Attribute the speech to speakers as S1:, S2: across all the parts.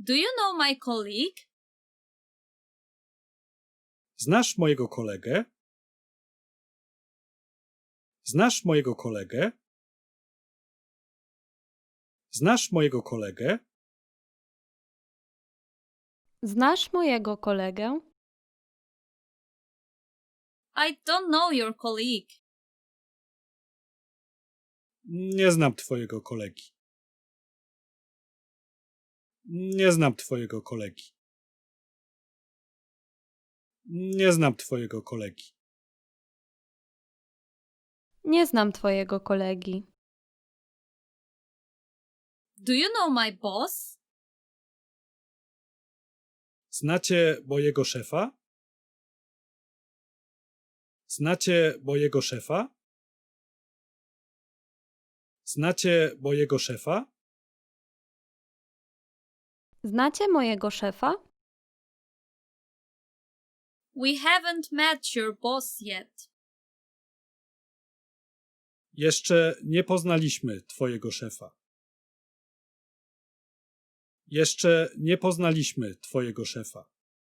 S1: Do you know my colleague?
S2: Znasz mojego kolegę? Znasz mojego kolegę? Znasz mojego kolegę?
S3: Znasz mojego kolegę?
S1: I don't know your colleague.
S2: Nie znam twojego kolegi. Nie znam twojego kolegi. Nie znam twojego kolegi.
S3: Nie znam twojego kolegi.
S1: Do you know my boss?
S2: Znacie mojego szefa? Znacie mojego szefa? Znacie mojego szefa?
S3: Znacie mojego szefa?
S1: We haven't met your boss yet.
S2: Jeszcze nie poznaliśmy twojego szefa. Jeszcze nie poznaliśmy twojego szefa.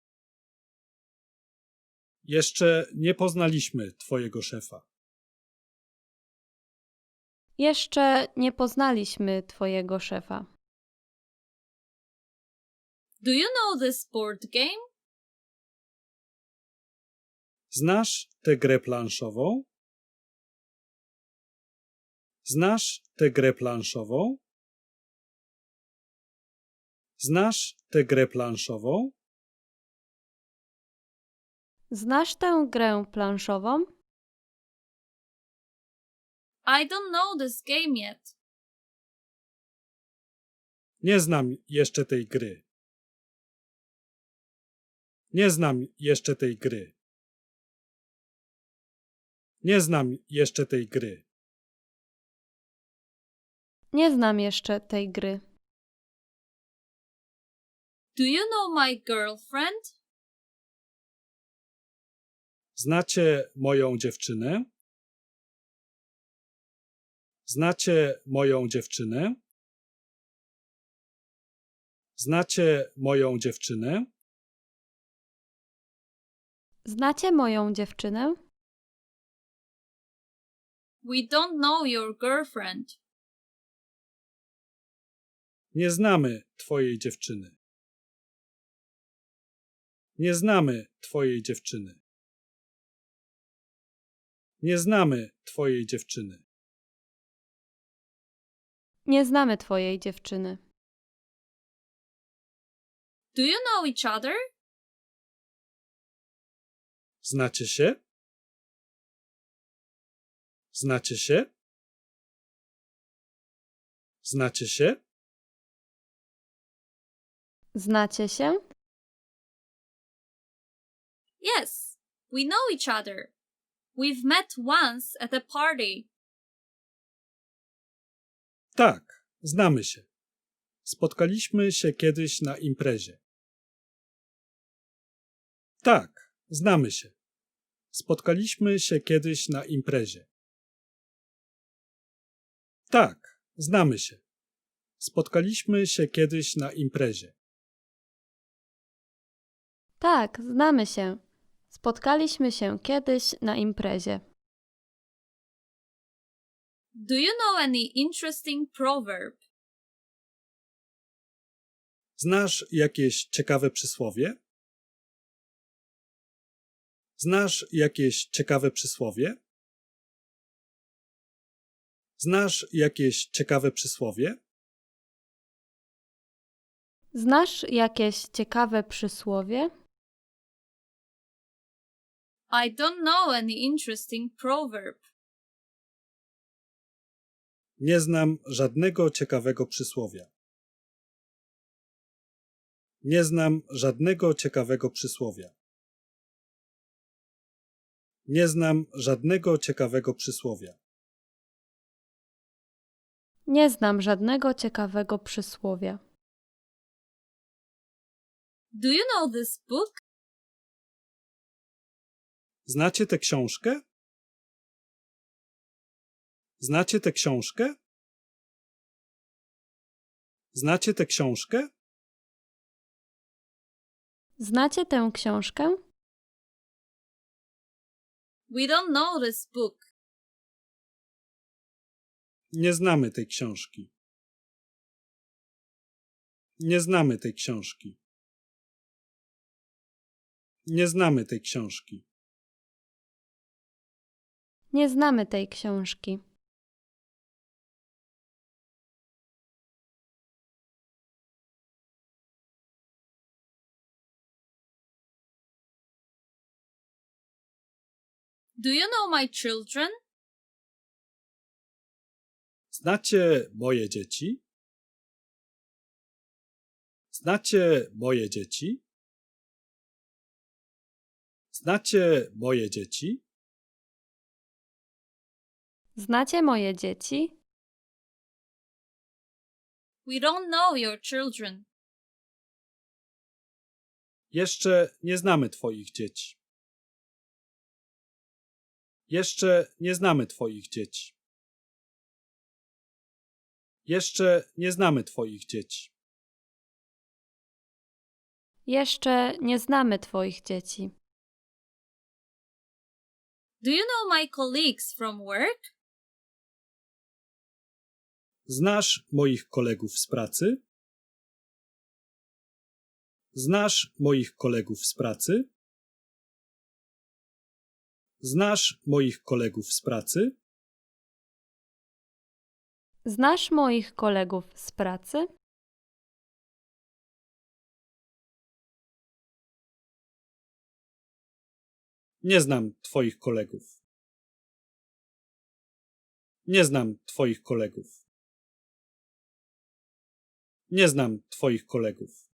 S2: Jeszcze nie poznaliśmy twojego szefa.
S3: Jeszcze nie poznaliśmy twojego szefa.
S1: Do you know this board game?
S2: Znasz tę grę planszową? Znasz tę grę planszową? Znasz tę grę planszową?
S3: Znasz tę grę planszową?
S1: I don't know this game yet.
S2: Nie znam jeszcze tej gry. Nie znam jeszcze tej gry. Nie znam jeszcze tej gry.
S3: Nie znam jeszcze tej gry.
S1: Do you know my girlfriend?
S2: Znacie moją dziewczynę? Znacie moją dziewczynę? Znacie moją dziewczynę?
S3: Znacie moją dziewczynę?
S1: We don't know your girlfriend.
S2: Nie znamy twojej dziewczyny. Nie znamy twojej dziewczyny. Nie znamy twojej dziewczyny.
S3: Nie znamy twojej dziewczyny.
S1: Do you know each other?
S2: Znacie się? Znacie się? Znacie się?
S3: Znacie się?
S1: Yes, we know each other. We've met once at a party.
S2: Tak, znamy się. Spotkaliśmy się kiedyś na imprezie. Tak, znamy się. Spotkaliśmy się kiedyś na imprezie. Tak, znamy się. Spotkaliśmy się kiedyś na imprezie.
S3: Tak, znamy się. Spotkaliśmy się kiedyś na imprezie.
S1: Do you know any interesting proverb?
S2: Znasz jakieś ciekawe przysłowie? Znasz jakieś ciekawe przysłowie? Znasz jakieś ciekawe przysłowie?
S3: Znasz jakieś ciekawe przysłowie?
S1: I don't know any interesting proverb.
S2: Nie znam żadnego ciekawego przysłowia. Nie znam żadnego ciekawego przysłowia. Nie znam żadnego ciekawego przysłowia.
S3: Nie znam żadnego ciekawego przysłowia.
S1: Do you know this book?
S2: Znacie tę książkę? Znacie tę książkę? Znacie tę książkę?
S3: Znacie tę książkę?
S1: We don't know this book.
S2: Nie znamy tej książki. Nie znamy tej książki. Nie znamy tej książki.
S3: Nie znamy tej książki.
S1: Do you know my children?
S2: Znacie moje dzieci? Znacie moje dzieci? Znacie moje dzieci?
S3: Znacie moje dzieci?
S1: We don't know your children.
S2: Jeszcze nie znamy twoich dzieci. Jeszcze nie znamy twoich dzieci. Jeszcze nie znamy twoich dzieci.
S3: Jeszcze nie znamy twoich dzieci.
S1: Do you know my colleagues from work?
S2: Znasz moich kolegów z pracy? Znasz moich kolegów z pracy? Znasz moich kolegów z pracy?
S3: Znasz moich kolegów z pracy?
S2: Nie znam twoich kolegów. Nie znam twoich kolegów. Nie znam twoich kolegów.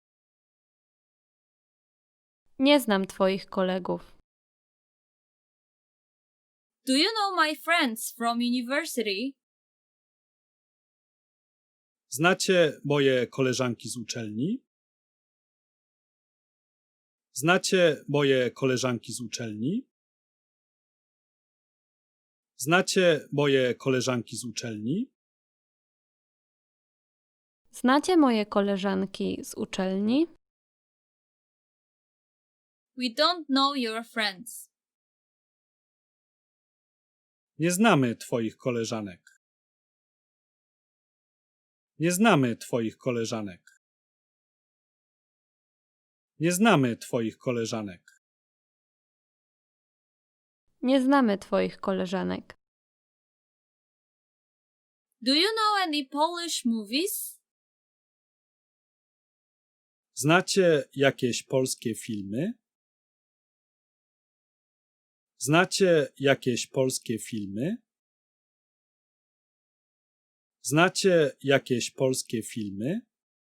S3: Nie znam twoich kolegów.
S1: Do you know my friends from university?
S2: Znacie moje koleżanki z uczelni? Znacie moje koleżanki z uczelni? Znacie moje koleżanki z uczelni?
S3: Znacie moje koleżanki z uczelni?
S1: We don't know your friends.
S2: Nie znamy twoich koleżanek. Nie znamy twoich koleżanek. Nie znamy twoich koleżanek.
S3: Nie znamy twoich koleżanek.
S1: Do you know any Polish movies?
S2: Znacie jakieś polskie filmy? Znacie jakieś polskie filmy? Znacie jakieś polskie filmy?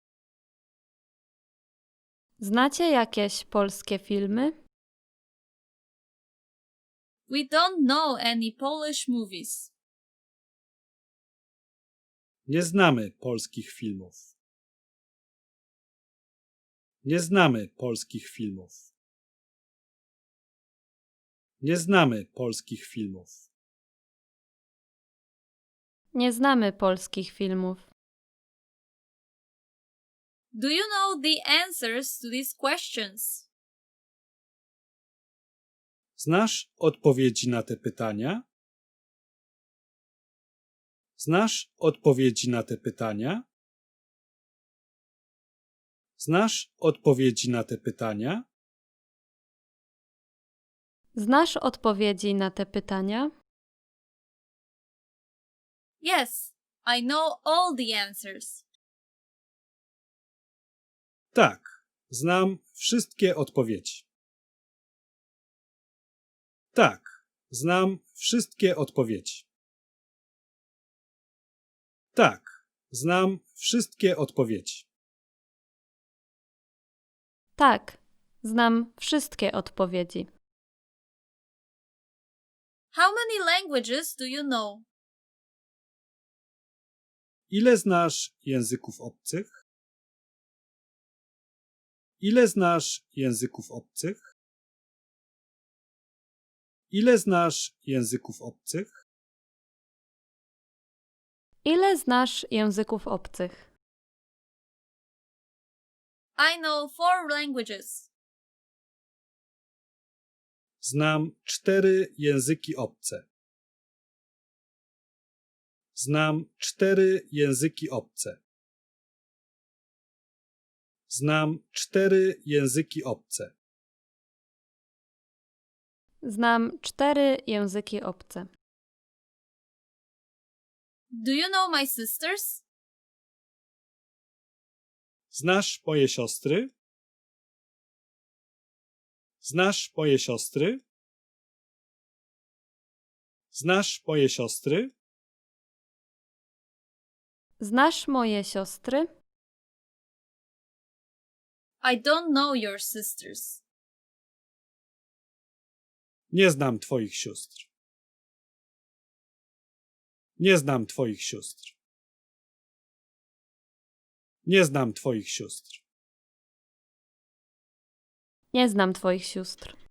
S3: Znacie jakieś polskie filmy?
S1: We don't know any Polish movies.
S2: Nie znamy polskich filmów. Nie znamy polskich filmów. Nie znamy polskich filmów.
S3: Nie znamy polskich filmów.
S1: Do you know the answers to these questions?
S2: Znasz odpowiedzi na te pytania? Znasz odpowiedzi na te pytania? Znasz odpowiedzi na te pytania?
S3: Znasz odpowiedzi na te pytania?
S1: Yes, I know all the answers.
S2: Tak, znam wszystkie odpowiedzi. Tak, znam wszystkie odpowiedzi. Tak, znam wszystkie odpowiedzi.
S3: Tak, znam wszystkie odpowiedzi.
S1: How many languages do you know?
S2: Ile znasz języków obcych? Ile znasz języków obcych? Ile znasz języków obcych?
S3: Ile znasz języków obcych?
S1: I know 4 languages.
S2: Znam 4 języki obce. Znam 4 języki obce. Znam 4 języki obce.
S3: Znam 4 języki obce.
S1: Do you know my sisters?
S2: Znasz moje siostry? Znasz moje siostry? Znasz moje siostry?
S3: Znasz moje siostry?
S1: I don't know your sisters.
S2: Nie znam twoich sióstr. Nie znam twoich sióstr. Nie znam twoich sióstr.
S3: Nie znam twoich sióstr.